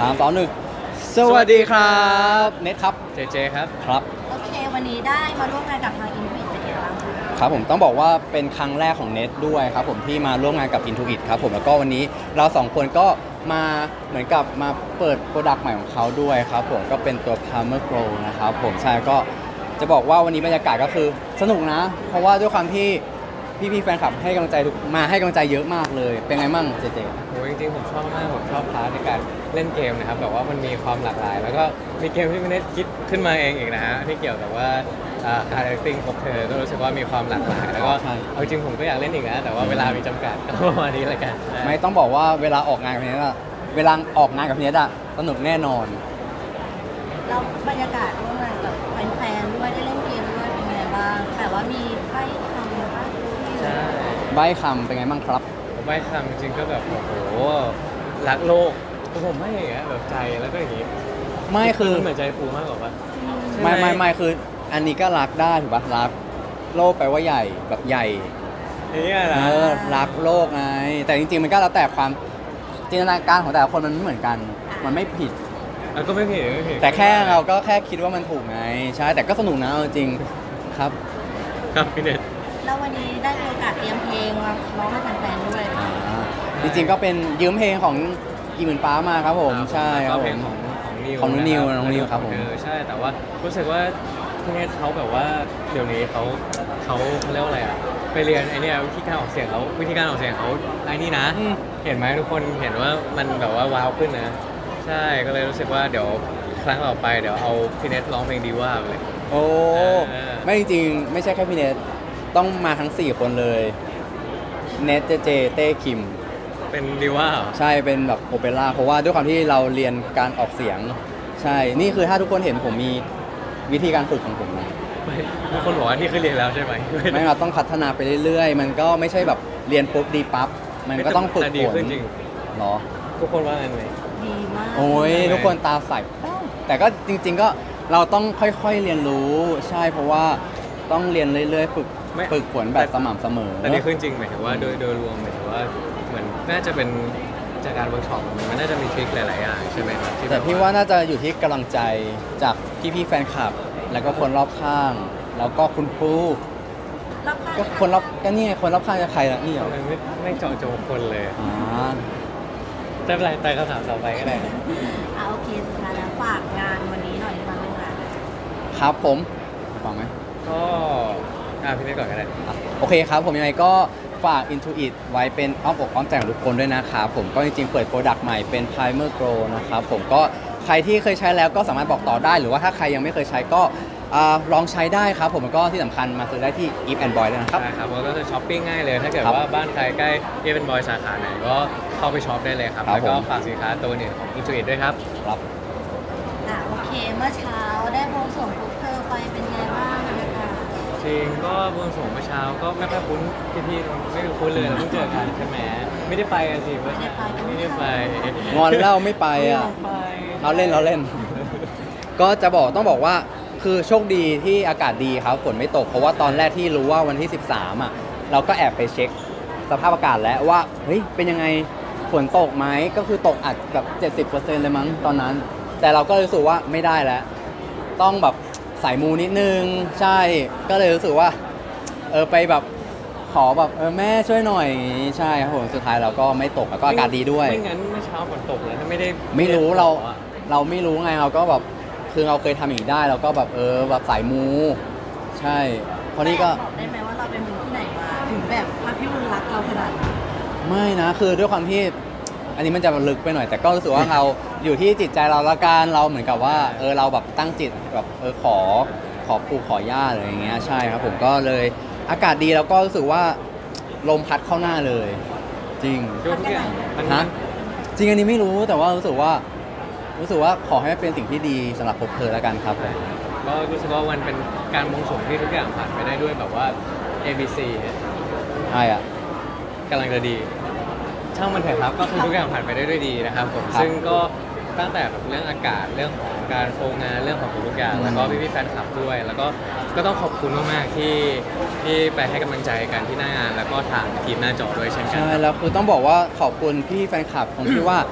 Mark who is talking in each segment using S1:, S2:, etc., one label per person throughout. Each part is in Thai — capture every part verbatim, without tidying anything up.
S1: ามสองหนึ่งสวัสดีครับเน็ตครับ
S2: เจเจครับ
S1: ครับ
S3: โอเควันนี้ได้มาร่วมงานกับทางอินฟิตเป็นยังไงบ้างคะ
S1: ครับผมต้องบอกว่าเป็นครั้งแรกของเน็ตด้วยครับผมที่มาร่วมงานกับ Intuit ครับผมแล้วก็วันนี้เราสองคนก็มาเหมือนกับมาเปิดโปรดักต์ใหม่ของเขาด้วยครับผมก็เป็นตัว Palmer Grow นะครับผมใช่ก็จะบอกว่าวันนี้บรรยากาศก็คือสนุกนะ เพราะว่าด้วยความที่พี่ๆแฟนคลับให้กำลังใจทุกมาให้กำลังใจเยอะมากเลยเป็นไงมั่งเจเจ
S2: โอ้ยจริงๆผมชอบมากผมชอบพาร์ทในการเล่นเกมนะครับแบบว่ามันมีความหลากหลาย แล้วก็มีเกมที่ไม่ได้คิดขึ้นมาเองอีกนะฮะที่เกี่ยวกับว่าการ acting พบเธอก็รู้สึกว่ามีความหลากหลายแล้วก็เอาจริงผมก็อยากเล่นอีกนะแต่ว่าเวลามีจำกัดก็ประมาณนี้แหละกัน
S1: ไม่ต้องบอกว่าเวลาออกงานกับพี่เนทอะเวลาออกงานกับพี่เนทอะสนุกแน่นอน
S3: แล้วบรรยากาศร่วมงานกับแฟนๆด้วยได้เล่นเกมด้วยเป็นไงบ้างแต่ว่ามีไพ่คำบ้าง
S2: ใช่
S1: ใบคำเป็นไงบ้างครับ
S2: ใบคำจริงๆก็แบบโอ้โหรักโลกผมไม่อย่างเงี้ยแบบใจแล้วก็อย่างงี้
S1: ไม่คือ
S2: เหมือนใจฟูมากกว่าปะ
S1: ไม่ไม่ไม่คืออันนี้ก็รักได้ถูกปะรักโลกแปลว่าใหญ่แบบใหญ่
S2: นี่ไงนะ
S1: เออรักโลกไงแต่จริงๆมันก็แล้วแต่ความจินตนาการของแต่ละคนมันไม่เหมือนกันมันไม่ผิด
S2: ก็ไม่ผิดไม่ผิด
S1: แต่แค่เราก็แค่คิดว่ามันถูกไงใช่แต่ก็สนุกนะจริงครับ
S2: ครับพี่เนท
S3: แล้ววันนี้ได้มีโอกาสเตรียมเพลงมาร้องให้แฟนๆด้วย
S1: จริงๆก็เป็นยืมเพลงของกีหมื่นฟ้ามาครับผมใช่ครับผม
S2: ของของนิว
S1: ของนิวน้องนิวครับผม
S2: ใช่แต่ว่ารู้สึกว่าพี่เนทเขาแบบว่าเดี๋ยวนี้เขาเขาเขาเรียกว่าอะไรอ่ะไปเรียนไอเนี้ยวิธีการออกเสียงเขาวิธีการออกเสียงเขาไอ้นี่นะเห็นไหมทุกคนเห็นว่ามันแบบว่าว้าวขึ้นนะใช่ก็เลยรู้สึกว่าเดี๋ยวครั้งต่อไปเดี๋ยวเอาพี่เนทร้องเพลงดีว่าเลย
S1: โอ้ไม่จริงไม่ใช่แค่พี่เนทต้องมาทั้งสี่คนเลยเนทเจเจเต้คิม
S2: เป็นดีว่า
S1: ใช่เป็นแบบโอเปร่าเพราะว่าด้วยความที่เราเรียนการออกเสียงใช่นี่คือถ้าทุกคนเห็นผมมีวิธีการฝึกของผมนะ
S2: ทุกคนบอกว่านี่คือเรียนแล้วใช่ไหม
S1: ไม่เราต้องพัฒนาไปเรื่อยๆมันก็ไม่ใช่แบบเรียนปุ๊บดีปั๊บมันก็ต้องฝึกฝน
S2: จริง
S1: หรอ
S2: ทุกคนว่าไงไหม
S3: ดีมาก
S1: โอ้ยทุกคนตาใสแต่ก็จริงๆก็เราต้องค่อยๆเรียนรู้ใช่เพราะว่าต้องเรียนเรื่อยๆฝึกฝึกฝนแบบสม่ำเสมอ
S2: แต่นี่ขึ้นจริงหมายถึงว่าโดยโดยรวมหมายถึงว่าเหมือนน่าจะเป็นจากการเวิร์กช็อปมันน่าจะมีทริคหลายๆอย่างใช่ไหมครับ
S1: แต่พี่ว่าน่าจะอยู่ที่กำลังใจจากพี่ๆแฟนคลับแล้วก็คนรอบข้างแล้วก็คุณครูก็คนรอบก็นี่ไงคนรอบข้างจะใครล่ะนี่เหรอ
S2: ไม่ไม่เจาะจงคนเลย
S1: อ๋อ
S2: จะเป็นไรแต่คำถามต่อไปก็ได้
S3: อ่าโอเคสุดท้ายแล้วฝากงานวันนี้หน่อยมาเป็นงาน
S1: ครับผมฟังไหม
S2: ก็อ่าพี่เนทก่อนก็ได้
S1: โอเคครับผมยังไงก็ฝาก Intuit ไว้เป็นอ้อมอกอ้อมใจของทุกคนด้วยนะครับผมก็จริงๆเปิดโปรดักต์ใหม่เป็น Primer Grow นะครับผมก็ใครที่เคยใช้แล้วก็สามารถบอกต่อได้หรือว่าถ้าใครยังไม่เคยใช้ก็ลองใช้ได้ครับผมก็ที่สำคัญมาซื้อได้ที่ Eve and Boy เลยนะครับ
S2: ใช่ครับก็จะช้อปปิ้งง่ายเลยถ้าเกิดว่าบ้านใครใกล้ Eve and Boy สาขาไหนก็เข้าไปช็อปได้เลยครับแล้วก็ฝากสินค้าตัวนี้ของ Intuit ด้วยครับ
S1: ครับ
S3: อ่ะโอเคเมื่อเช้าได้บวงสรวงปุ๊บเธอไปเป็นไงบ้างนะคะ
S2: จริงก็บวงสรวงเมื่อเช้าก็ไม่ค่อยคุ้นพี่ๆไม่คุ้นเลยเราเพิ่งเจอกันใช่ไหมไม่ได้ไปกันสิไม่ได้ไปไม่ได้ไป
S1: งอนเล่าไม่ไปอ่ะเราเล่นเราเล่นก็จะบอกต้องบอกว่าคือโชคดีที่อากาศดีครับฝนไม่ตกเพราะว่าตอนแรกที่รู้ว่าวันที่สิบสามอ่ะเราก็แอบไปเช็คสภาพอากาศแล้วว่าเฮ้ยเป็นยังไงฝนตกไหมก็คือตกอาจแบบ เจ็ดสิบเปอร์เซ็นต์ เลยมั้งตอนนั้นแต่เราก็รู้สึกว่าไม่ได้แล้วต้องแบบสายมูนิดนึงใช่ก็เลยรู้สึกว่าเออไปแบบขอแบบเออแม่ช่วยหน่อยใช่ครับผมสุดท้ายเราก็ไม่ตกแล้วก็อากาศดีด้วย
S2: ไม่งั้นเมื่อเช้าฝนตกแล้วถ้าไม่ได้
S1: ไม่รู้เราเราไม่รู้ไงเราก็แบบคือเราเคยทำอย่างนี้ได้เราก็แบบเออแบบสายมูใช่เพราะนี่ก็
S3: บอกได้ไหมว่าเราเป็นมูที่ไหนมาถึงแบบพระพี่บุญรักเราขนาดนี้
S1: ไม่นะคือด้วยความที่อันนี้มันจะลึกไปหน่อยแต่ก็รู้สึกว่าเราอยู่ที่จิตใจเราละกันเราเหมือนกับว่าเออเราแบบตั้งจิตแบบเออขอขอปู่ขอย่าอะไรอย่างเงี้ยใช่ครับผมก็เลยอากาศดีแล้วก็รู้สึกว่าลมพัดเข้าหน้าเลยจริงฮะจริงอันนี้ไม่รู้แต่ว่ารู้สึกว่ารู้สึกว่าขอให้เป็นสิ่งที่ดีสำหรับพวกเธอแล้วกันครับ
S2: ก็รู้สึกว่ามันเป็นการบวงสรวงที่ทุกอย่างผ่านไปได้ด้วยแบบว่า เอ บี ซี
S1: ใช่อ่ะ
S2: กำลังจะดีช่างมันเถอะครับก็คือทุกอย่างผ่านไปได้ด้วยดีนะครับผมซึ่งก็ตั้งแต่แบบเรื่องอากาศเรื่องของการโฟงานเรื่องของทุกอย่างแล้วก็พี่ๆแฟนคลับด้วยแล้วก็ก็ต้องขอบคุณมากๆที่ที่ไปให้กำลังใจกันที่หน้างานแล้วก็ทางทีมหน้าจอด้วยเช่นกัน
S1: ใช่แล้วคือต้องบอกว่าขอบคุณพี่แฟนคลับของพี่ว่า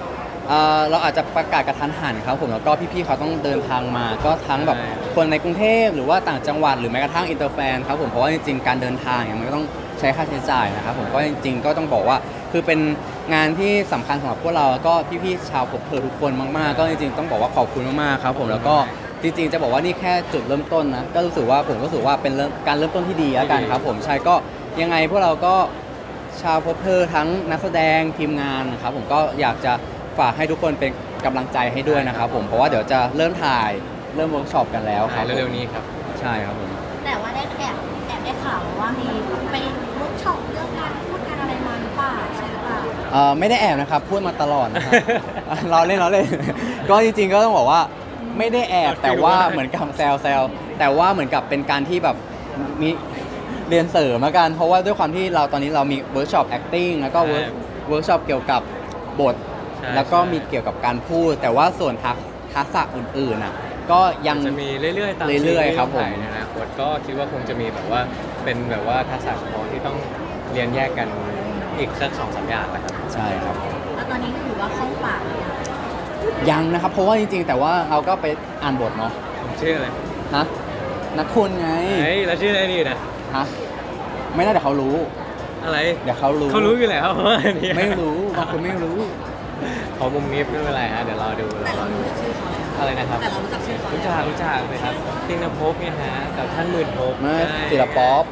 S1: เอ่อเราอาจจะประกาศกระทันหันครับผมแล้วก็พี่ๆเขาต้องเดินทางมา ก็ทั้งแบบคนในกรุงเทพหรือว่าต่างจังหวัดหรือแม้กระทั่งอินเตอร์แฟนครับผมเพราะว่าจริงๆการเดินทางเนี่ยมันก็ต้องใช้ค่าใช้จ่ายนะครับผมก็จริงๆก็ต้องบอกว่าคือเป็นงานที่สำคัญสำหรับพวกเราแล้วก็พี่ๆชาวพบเพอทุกคนมากๆก็จริงๆต้องบอกว่าขอบคุณมากๆครับผมแล้วก็จริงๆจะบอกว่านี่แค่จุดเริ่มต้นนะก็รู้สึกว่าผมก็รู้สึกว่าเป็นเริ่มการเริ่มต้นที่ดีแล้วกันครับผมใช่ก็ยังไงพวกเราก็ชาวพบเพอทั้งนักแสดงทีมงานนะครับผมก็อยากจะฝากให้ทุกคนเป็นกำลังใจให้ด้วยนะครับผมเพราะว่าเดี๋ยวจะเริ่มถ่ายเริ่มเวิร์กช็อปกันแล้วครับผม
S2: เร็วๆนี้ครับ
S1: ใช่ครับผม
S3: แต่ว่าได้แอบแอบได้ข่าวว่ามีไปเวิร์กช็อปเรื่องการพูดการอะไรมาหรือเปล่าใช่หรือเปล่า
S1: เอ่อไม่ได้แอบนะครับพูดมาตลอดนะครับ เราเล่นเราเล่น ก็จริงๆก็ต้องบอกว่าไม่ได้แอบแต่ว่าเหมือนกับแซวแซวแต่ว่าเหมือนกับเป็นการที่แบบมีเรียนเสริมละกันเพราะว่าด้วยความที่เราตอนนี้เรามีเวิร์กช็อป acting แล้วก็เวิร์กเวิร์กช็อปเกี่ยวกับบท
S2: ใช่
S1: แล้วก็มีเกี่ยวกับการพูด แต่ว่าส่วนทักทักษะอื่นๆอ่ะก็ยัง
S2: จะมีเรื่อยๆตาม
S1: เรื่อยๆครับผม
S2: ถ่ายในอนาคตก็คิดว่าคงจะมีแบบว่าเป็นแบบว่าทักษะเฉพาะที่ต้องเรียนแยกกันอีกสักสองสามอย่างแหละครับ
S1: ใช่ครับ
S3: แล้วตอนนี้ถือว่าคล่องปากเลยอะ
S1: ยังนะครับเพราะว่าจริงๆ แต่ว่าเราก็ไปอ่านบทเนาะ
S2: ผมชื่ออะไร
S1: ฮะนักคุณไง
S2: เฮ้ยแล้วชื่ออะไรดีนะ
S1: ฮะไม่น่าเดี๋ยวเขารู้
S2: อะไร
S1: เดี๋ยวเขารู้
S2: เขารู้อยู่แล้วว่าอันนี้
S1: ไม่รู้บางคนไม่รู้
S2: ขอมุมนี้ไม่เป็นไรฮะเดี๋ยวรอดู
S3: แต่
S2: ร
S3: เรา
S2: อดู
S3: รู้จักชื่อเขาแล้ว
S2: อะไรนะครับ
S3: แต่เรารู้จักชื่อเขา
S2: รู้
S3: แล้ว
S2: จักรู้จักเลยครับติงนภพเนี่ยฮะกับท่านหมื่นภพ
S1: มา
S2: ใช่
S1: ศิลป๊อป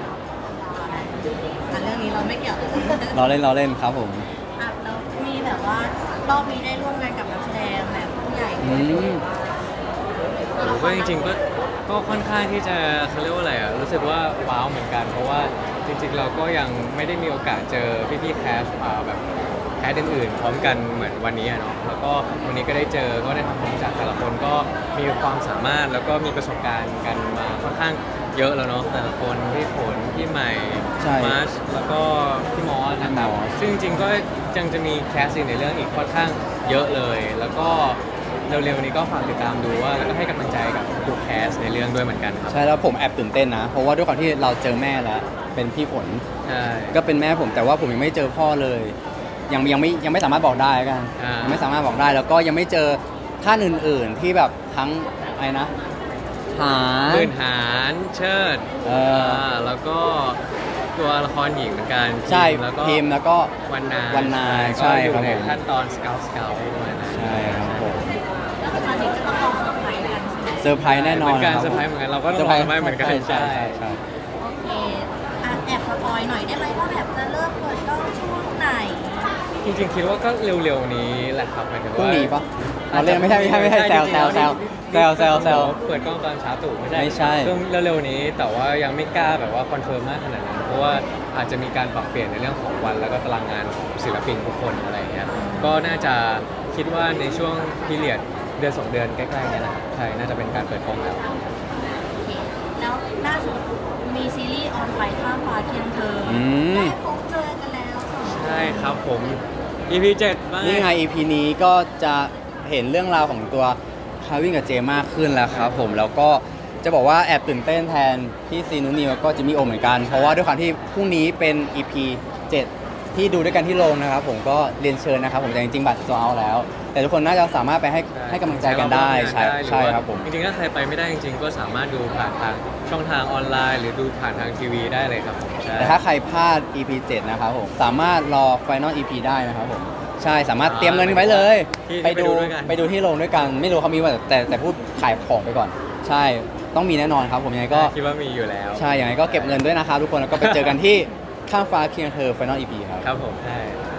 S3: อันเรื่องนี้เราไม่เกี่ยว
S1: เราเล่นเราเล่นครับผม
S3: อ่ะแล้วมีแบบว่ารอบนี้ได้ร่วมงานกับนักแสดงแบบผู้ใหญ่
S1: อื
S3: ด้วย
S1: ม
S2: ผมก็จริงๆก็ก็ค่อนข้างที่จะเขาเรียกว่าอะไรอ่ะรู้สึกว่าว้าวเหมือนกัน เพราะว่าจริงๆเราก็ยังไม่ได้มีโอกาสเจอพี่ๆแคสอ่าแบบแคสอื่นๆพร้อมกันเหมือนวันนี้อะเนาะแล้วก็วันนี้ก็ได้เจอก็ได้ทำความรู้จักแต่ละคนก็มีความสามารถแล้วก็มีประสบการณ์กันมาค่อนข้างเยอะแล้วเนาะแต่ละคนพี่ฝนพี่ใหม่
S1: ใช่
S2: มาร์ชแล้วก็พี่มอสนะครับ
S1: พี่มอส
S2: ซึ่งจริงๆก็ยังจะมีแคสในเรื่องอีกค่อนข้างเยอะเลย แล้วก็เร็วๆนี้ก็ฝากติดตามดูว่าแล้วก็ให้กำลังใจกับทุกแคสในเรื่องด้วยเหมือนกันครับ
S1: ใช่แล้วผมแอบตื่นเต้นนะ เพราะว่าด้วยความที่เราเจอแม่แล้ว เป็นพี่ฝน
S2: ใช่
S1: ก็เป็นแม่ผมแต่ว่าผมยังไม่เจอพ่อเลย ยังยังไม่ยังไม่สามารถบอกได้กัน
S2: อ่ายั
S1: ยังไม่สามารถบอกได้แล้วก็ยังไม่เจอท่านอื่น ๆ ที่แบบทั้งอะไรนะหา
S2: หมื่นหารเชิด
S1: เอออ่
S2: าแล้วก็ตัวละครหญิงเหมือนกัน
S1: ใช่
S2: พิมแล้วก็
S1: พิมพ์แล้วก็
S2: วันนา
S1: วันนา
S2: ก็
S1: ใช่
S2: อยู่
S1: ครับ
S2: ใน
S1: ผม
S2: ขั้นตอนสเกลสเกลด้วยนะ
S1: ใช่ครับผม
S3: ก็คือตอนนี้จะต้องรอเซอร์ไพรส์กันใช่ไหม
S1: เซอร์ไพรส์แน่นอน
S2: เหมือนกัน
S1: คบ
S2: เซอร์ไพรส์เหมือนกันเราก็ต้องรอเซอร์ไพรส์เหมือนกัน
S1: ใช่ใช่ใช่
S3: โอเคอ่ะแอบสปอยหน่อยได้ไหมว่าแบบจะเริ่มเปิดกล้องช่วงไหน
S2: จริงๆคิดว่าก็เร็วๆนี้แหละครับหมายถึง
S1: พรุ่ง
S2: ว่า
S1: นี้ปะเราเล่นไม่ใช่ไม่ใช่ไม่ใช่แซวแซวแซวแซวแซวแซว
S2: เปิดกล้องตอนเช้าตู่ไม่ใช่
S1: ไม่ใช่
S2: เรื่องเร็วๆนี้แต่ว่ายังไม่กล้าแบบว่าคอนเฟิร์มมากขนาดนั้นเพราะว่าอาจจะมีการปรับเปลี่ยนในเรื่องของวันแล้วก็ตารางงานของศิลปินทุกคนอะไรอย่างเงี้ยก็น่าจะคิดว่าในช่วงพีเรียดเดือนสองเดือนใกล้ๆเนี้แหละครับใช่น่าจะเป็นการเปิดกล้องแล้ว
S3: โอเคแล้วล่าสุดมีซีรีส์ออนไฟข้ามฟ้าเคียงเธออ
S1: อืม
S3: ได้พบเจอกันแล้วสองคน
S2: ใช่ครับผม อี พี เจ็ดมา
S1: นี่ไง อี พี นี้ก็จะเห็นเรื่องราวของตัวคาวินกับเจมากขึ้นแล้วครับผมแล้วก็จะบอกว่าแอบตื่นเต้นแทนพี่ซีนุนิวแล้วก็จิมมี่โอเหมือนกัน เพราะว่าด้วยความที่พรุ่งนี้เป็น อี พี เจ็ดที่ดูด้วยกันที่โรงนะครับผมก็เรียนเชิญนะครับผมแต่จริงๆบัตรจะเอาแล้ว แต่ทุกคนน่าจะสามารถไปให้ให้กำลังใจกันได้ใช่ใช่ครับผม
S2: จริงๆถ้าใครไปไม่ได้จริงๆก็สามารถดูผ่านทางช่องทางออนไลน์ หรือดูผ่านทางทีวีได้เลยครับผมใช่
S1: แต่ถ้าใครพลาด อี พี เจ็ดนะครับผมสามารถรอ Final อี พี ได้นะครับผมใช่สามารถเตรียมเงินไว้เลย
S2: ที่
S1: ไปดู
S2: ไปดูด้วยกัน
S1: ไปดูที่โรงด้วยกัน ไม่รู้เขามีว่าแต่แต่พูดขายของไปก่อน ใช่ต้องมีแน่นอนครับผมยังไงก็
S2: คิดว่ามีอยู่แล้ว
S1: ใช่ยังไงก็เก็บเงินด้วยนะครับทุกคนแล้วก็ไปเจอกันที่ข้ามฟ้าเคียงเธอ Final อี พี ครับ
S2: ครับผมใช่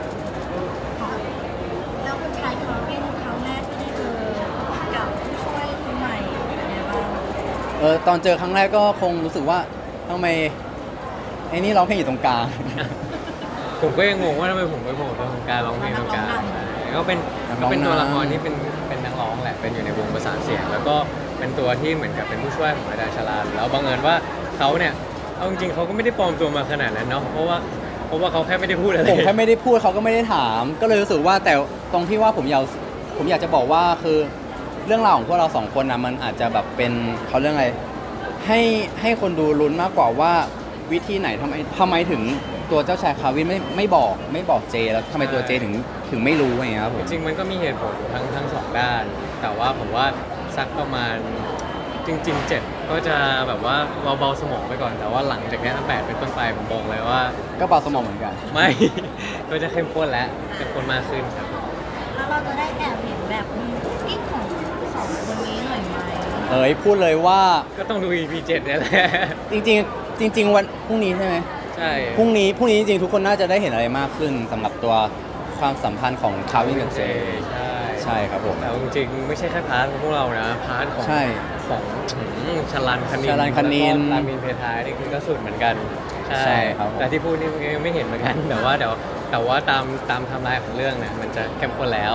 S3: แล้วคุณชายเขาเป็นครั้งแรกที่ได้เจอกับผู้ช่วยคนใหม่เป็นไงบ้าง
S1: เออตอนเจอครั้งแรกก็คงรู้สึกว่าทำไมไอ้นี่ร้องเพลงอยู่ตรงกลาง
S2: ผมก็ยังงงว่าทำไมผมไปโผล่ตรงการร้องเพลงตรงกลางก็เป็น
S1: นักร้
S2: ก็
S1: อง
S2: เป็นตัวละคร
S1: นำ
S2: ที่เป็นเป็นนักร้องแหละเป็นอยู่ในวงประสานเสียง แล้วก็เป็นตัวที่เหมือนกับเป็นผู้ช่วยของอาจารย์ชลาแล้วบังเอิญว่าเขาเนี่ยเอาจริงๆเขาก็ไม่ได้ปลอมตัวมาขนาดนั้นเนาะเพราะว่าเพราะว่าเขาแค่ไม่ได้พูดอะไร
S1: ผมแค่ไม่ได้พูดเขาก็ไม่ได้ถาม ก็เลยรู้สึกว่าแต่ตรงที่ว่าผมอยากผมอยากจะบอกว่าคือเรื่องราวของพวกเราสองคนนะมันอาจจะแบบเป็นเขาเรื่องอะไรให้ให้คนดูลุ้นมากกว่าว่าวิธีไหนทำไมทำไมถึงตัวเจ้าชายคาวินไม่ไม่บอกไม่บอกเจแล้วทำไมตัวเจถึงถึงไม่รู้อย่างเงี้ยครับผม
S2: จริงๆมันก็มีเหตุผลทั้งทั้งสองด้าน แต่ว่าผมว่าสักประมาณจริงๆเจ็ดก็จะแบบว่าเบาๆสมองไปก่อน แต่ว่าหลังจากนี้แปดเป็นต้นไปผมบอกเลยว่า
S1: ก็เบาสมองเหมือนกัน
S2: ไม่ ก็จะเข้มข้นแล้วเข้มข้นมากขึ้นครับ
S3: แล้วเราจะได้แอบเห็นแบบมีกิ๊กของสองคนนี้หน่อยไหม
S1: เอ้ยพูดเลยว่า
S2: ก็ต้องดู อี พี เจ็ดเนี่ยแหละ
S1: จริงๆ จริง ๆ วันพรุ่งนี้ใช่ไหม
S2: ใช่
S1: พรุ่งนี้พรุ่งนี้จริงๆทุกคนน่าจะได้เห็นอะไรมากขึ้นสำหรับตัวความสัมพันธ์ของคาวินกับเจ
S2: ใช่
S1: ใช่ครับผม
S2: แต่จริงๆไม่ใช่แค่พาร์ทของพวกเรานะ พาร์ทของ
S1: ใช่
S2: ของอืมชลันคณิน
S1: ชลันคณิน
S2: แล้วก็รามินเพทายนี่คือก็สุดเหมือนกัน
S1: ใช่ครับผม
S2: แต่ที่พูดนี่ยังไม่เห็นเหมือนกัน แต่ว่าเดี๋ยวแต่ว่าตามตามไทม์ไลน์ของเรื่องเนี่ยมันจะเข้มข้นแล้ว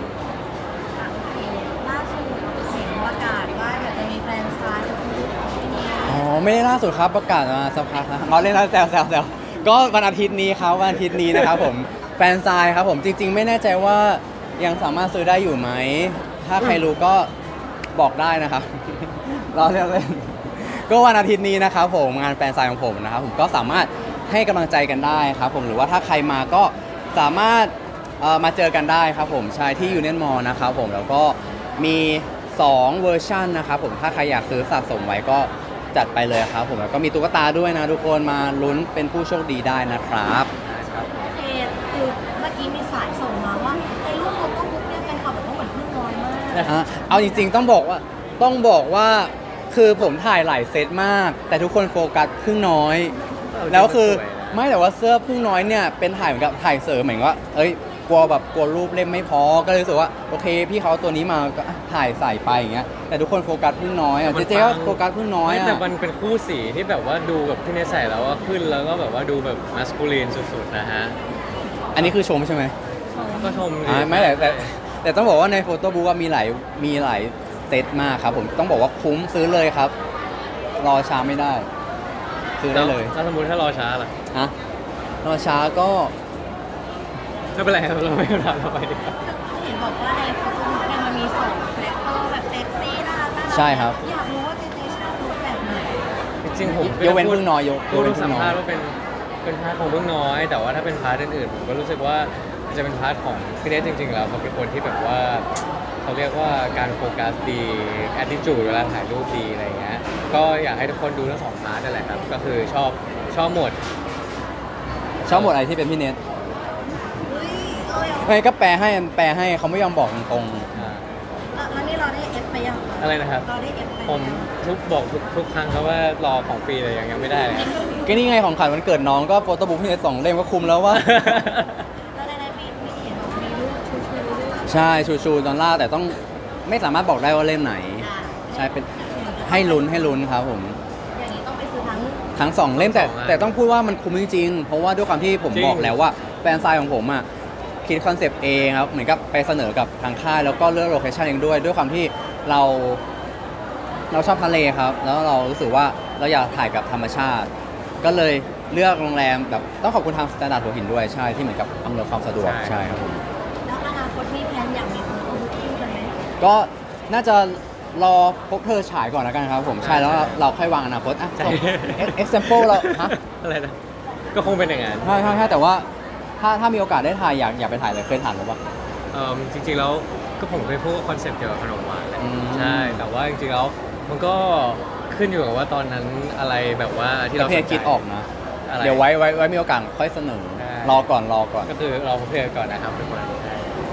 S3: ล่าสุดเห็นประกาศว่าเดี๋ยวจะมีแฟนซายกับคุณที่นี่
S1: อ๋อไม่ได้ล่าสุดครับประกาศมาสักพักแล้วเราเล่นแล้วแซวแซวแซวก็วันอาทิตย์นี้ครับวันอาทิตย์นี้นะครับผมแฟนซายครับผมจริง ๆ ไม่แน่ใจว่ายังสามารถซื้อได้อยู่ไหม ถ้าใครรู้ก็บอกได้นะครับ รอเล่นเล่นก็วันอาทิตย์นี้นะครับผมงานแฟนซายของผมนะครับผมก็สามารถให้กำลังใจกันได้ครับผมหรือว่าถ้าใครมาก็สามารถเอ่อมาเจอกันได้ครับผมใช่ที่ยูเนียนมอลนะครับผมแล้วก็มีสองเวอร์ชันนะครับผมถ้าใครอยากซื้อสะสมไว้ก็จัดไปเลยครับผมแล้วก็มีตุ๊กตาด้วยนะทุกคนมาลุ้นเป็นผู้โชคดีได้นะครับ
S2: ครับ
S3: โอเคคือเมื่อกี้มีสายส่งมาว่าในรูปโฟโต้บุ๊กเนี่ยเป็นข่าวแบบว่าเหมือนเพิ่งน้อยมาก
S1: อ่ะเอาจริงๆต้องบอกว่าต้องบอกว่าคือผมถ่ายหลายเซตมาก แต่ทุกคนโฟกัสครึ่งน้อย แล้วคือไม่แต่ว่าเสื้อพึ่งน้อยเนี่ยเป็นถ่ายเหมือนกับถ่ายเสริมเหมือนว่าเอ้ยกลัวแบบกลัวรูปเล่มไม่พอก็เลยรู้สึกว่าโอเคพี่เขาเอาตัวนี้มาก็อ่ะถ่ายใส่ไปอย่างเงี้ยแต่ทุกคนโฟกัสพึ่งน้อยอ่ะเจ๊เจ๊ก็โฟกัสพึ่งน้อย
S2: ไม่
S1: อ่ะ
S2: แต่มันเป็นคู่สีที่แบบว่าดูแบบที่ในใส่แล้วว่าขึ้นแล้วก็แบบว่าดูแบบมัสคูลีนสุดๆนะฮะ
S1: อันนี้คือชมใช่ไหม
S2: ก็ชมดี
S1: อ่าไม่แต่แต่แต่ต้องบอกว่าในโฟโต้บุ๊กมีหลายมีหลายเซตมากครับผมต้องบอกว่าคุ้มซื้อเลยครับ รอช้าไม่ได้ ซื้อได้เลย
S2: ถ้าสมมติถ้ารอช้าล่ะ
S1: ฮะรอช้าก็
S2: ไม่เป็นไรครับเราไม่ต้องถามเราไปดีกว่า
S3: เห็นบอกว่าในโฟโต้บุ๊กเนี่ยมันมีสองคาแรคเตอร์แบบเซ็กซี่น่ารักน่ารัก
S1: ใช่ครับ
S3: อยากรู้ว่าเจเจชอบรูปแบบไหน
S2: จริงๆผม
S1: ยกเว้นพึ่งน้อยยก
S2: พู
S1: ย
S2: ด
S1: กเว้น
S2: สั
S1: พึ่
S2: ม
S1: งน้อ
S2: ภาย ษณ์ว่าเป็นเป็นพาร์ทของเรื่องน้อย แต่ว่าถ้าเป็นพาร์ทอื่นๆผมก็รู้สึกว่าจะเป็นพาร์ทของพี่เนทจริงๆแล้วเขาเป็นคนที่แบบว่าเขาเรียกว่าการโฟกัสดีแอดดิจูดเวลาถ่ายรูปดีอะไรเงี้ยก็อยากให้ทุกคนดูทั้งสองพาร์ทนั่นแหละครับก็คือชอบชอบหมด
S1: ชอบหมดอะไรที่เป็นพี่เน็ต
S3: เฮ้ยเราอยาก
S1: ไม่ก็แปลให้แปลให้เขาไม่ยอมบอกตรง
S2: อ่า
S3: แล้วนี่เราได้เอฟไปยัง
S2: อะไรนะครับ
S3: เราได้เอฟไปยัง
S2: ผมทุกบอกทุกทุกครั้งครับว่ารอของฟรีเลยยังยังไม่ได้เลยครับ
S1: ๆก็นี่ไงของขวัญวันเกิดน้องก็โฟโต้บุ๊กพี่เน็ตสองเล่มก็คุ้มแล้วว่า
S3: แล้วในในมีมีเห็นบอกมีรูปชูชูด้วย
S1: ใช่ชูชูดอลลาร์แต่ต้องไม่สามารถบอกได้ว่าเล่มไหน
S3: อ่ะ
S1: ใช่เป็นให้ลุ้นให้ลุ้นครับผม
S3: อย่างนี้ต้องไปซื้อทั้ง
S1: ทั้งสองเล่มแต่
S2: สองอัน
S1: แต่ต้องพูดว่ามันคุ้มจริงๆ เพราะว่าด้วยความที่ผม
S2: จริง
S1: บอกแล้วว่าแฟนไซน์ของผมอ่ะคิดคอนเซปต์เองครับเหมือนกับไปเสนอกับทางค่ายแล้วก็เลือกโลเคชั่นเองด้วย ด้วยความที่เราเราชอบทะเลครับ แล้วเรารู้สึกว่าเราอยากถ่ายกับธรรมชาติ ก็เลยเลือกโรงแรมแบบต้องขอบคุณทางสแตนดาร์ดหัวหินด้วยใช่ที่เหมือนกับอำนวยความสะดวกใช่ครับผม
S3: แล้วอนาคตมีแพลนอยากมีโฟโต้บุ๊กคู่กันไหม
S1: ก็น่าจะรอพบเธอฉายก่อนแล้วกันครับผมใช่แล้วเราค่อยวางอนาคตอ่ะ
S2: ใช่
S1: เอ็กซ์เซมเปิลเราฮะ
S2: อะไรนะก็คงเป็นอย่างนั้น
S1: ใช่ใช่ใช่แต่ว่าถ้าถ้ามีโอกาสได้ถ่ายอยากอยากไปถ่ายเลยเคยถ่ายหรือเปล่า
S2: เอิ่มจริงๆแล้วก็ผมเคยพูดว่าคอนเซ็ปต์เกี่ยวกับขนมหวานแหละ
S1: อืม
S2: ใช่แต่ว่าจริงๆแล้วมันก็ขึ้นอยู่กับว่าตอนนั้นอะไรแบบว่าที่เรา
S1: เพ
S2: ส
S1: จ
S2: นใจ
S1: คิดออกนะ
S2: อะไร
S1: เดี๋ยวไว้ไว้ไว้มีโอกาสค่อยเสนอ
S2: ใช่
S1: รอก่อนรอก่อน
S2: ก็คือเราเพลก่อนนะครับทุกคนใช่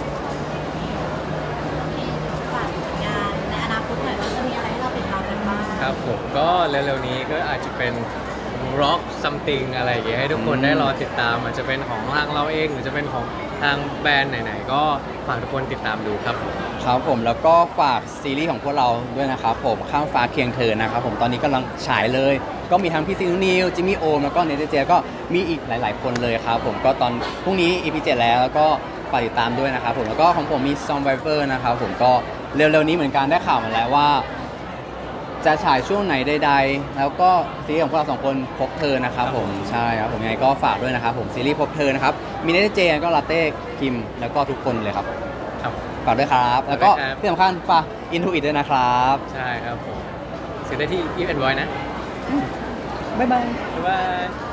S3: ฝากผลงานในอนาคตหน่อยว่าจะมีอะไรให้เราติดตามกันบ้าง
S2: ครับผมก็เร็วๆนี้ก็อาจจะเป็น rock something อะไรอย่างเงี้ยให้ทุกคน
S1: อืม
S2: ได้รอติดตามอาจจะเป็นของทางเราเองหรือจะเป็นของทางแบรนด์ไหนๆก็ฝากทุกคนติดตามดูครับผม
S1: ครับผมแล้วก็ฝากซีรีส์ของพวกเราด้วยนะครับผมข้ามฟ้าเคียงเธอนะครับผมตอนนี้กำลังฉายเลย ก็มีทั้งพี่ซีนูนิวจิมมี่โอมแล้วก็เนเธเจก็มีอีกหลาย ๆ คนเลยครับผมก็ตอนพรุ่งนี้ อี พี เจ็ดแล้วแล้วก็ฝากติดตามด้วยนะครับผมแล้วก็ของผมมี Survivor นะครับผมก็เร็ว ๆ นี้เหมือนกันได้ข่าวมาแล้วว่า จะฉายช่วงไหนใดๆแล้วก็ซีรีส์ของพวกเราสองคนพบเธอนะครับผมใช่ครับผมยังไงก็ฝากด้วยนะครับผมซีรีส์พบเธอนะครับมีเนเธเจก็ลาเต้คิมแล้วก็ทุกคนเลยครับ
S2: ครับ
S1: ฝากด้วยครับ แล้วก็
S2: ฝากด้วยครับ
S1: ที่สำคัญฝาก Into It ด้วยนะครับ
S2: ใช่ครับผมซื้อได้ที่ Eve and Boy นะ
S1: บ๊ายบาย
S2: บ๊ายบาย